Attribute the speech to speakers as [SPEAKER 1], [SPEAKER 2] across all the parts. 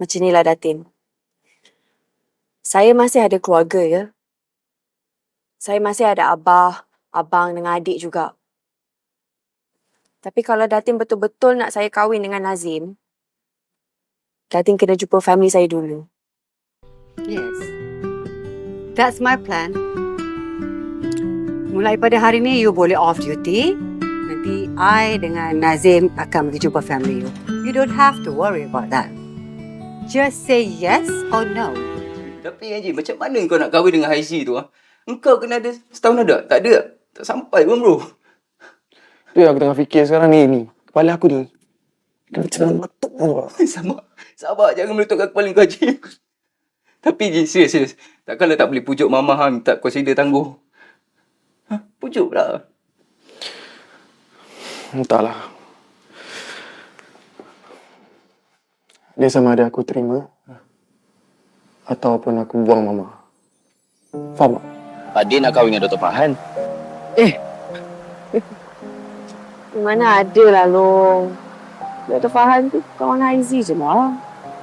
[SPEAKER 1] Macam inilah Datin. Saya masih ada keluarga ya. Saya masih ada abah, abang dengan adik juga. Tapi kalau Datin betul-betul nak saya kahwin dengan Nazim, Datin kena jumpa family saya dulu.
[SPEAKER 2] Yes. That's my plan. Mulai pada hari ni, you boleh off duty. Nanti I dengan Nazim akan pergi jumpa family you. You don't have to worry about that. Just say yes or no.
[SPEAKER 3] Tapi Haji, macam mana kau nak kahwin dengan Haizi tu? Engkau kena ada setahun ada? Tak ada. Tak sampai pun bro.
[SPEAKER 4] Tu yang aku tengah fikir sekarang ni. Kepala aku ni. Kena macam meletup pun.
[SPEAKER 3] Sabar, jangan meletupkan kepala kau Haji. Tapi Haji, serius. Takkanlah tak boleh pujuk Mama minta consider tangguh. Pujuklah.
[SPEAKER 4] Entahlah. Dia sama ada aku terima ataupun aku buang Mama. Faham tak?
[SPEAKER 5] Adik nak kahwin dengan Dr. Farhan.
[SPEAKER 1] Mana ada lah Long. Dr. Farhan tu kawan Haizi je lah.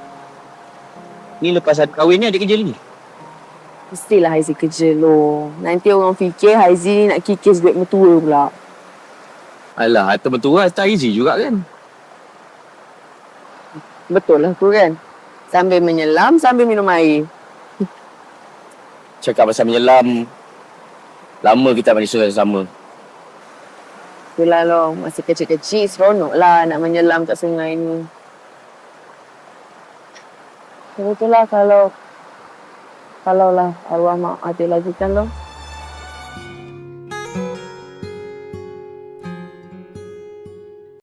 [SPEAKER 5] Ni lepas ada kahwin ni adik kerja lagi.
[SPEAKER 1] Mestilah Haizi kerja Long. Nanti orang fikir Haizi ni nak kikis duit mertua pula.
[SPEAKER 5] Alah, harta mertua harta Haizi juga kan.
[SPEAKER 1] Betul lah tu kan. Sambil menyelam, sambil minum air.
[SPEAKER 5] Cakap pasal menyelam. Lama kita manusia sama.
[SPEAKER 1] Itulah Long. Masa kecil-kecil seronok lah nak menyelam kat sungai ni. Betul lah kalau lah arwah mak ada lagi kan Long.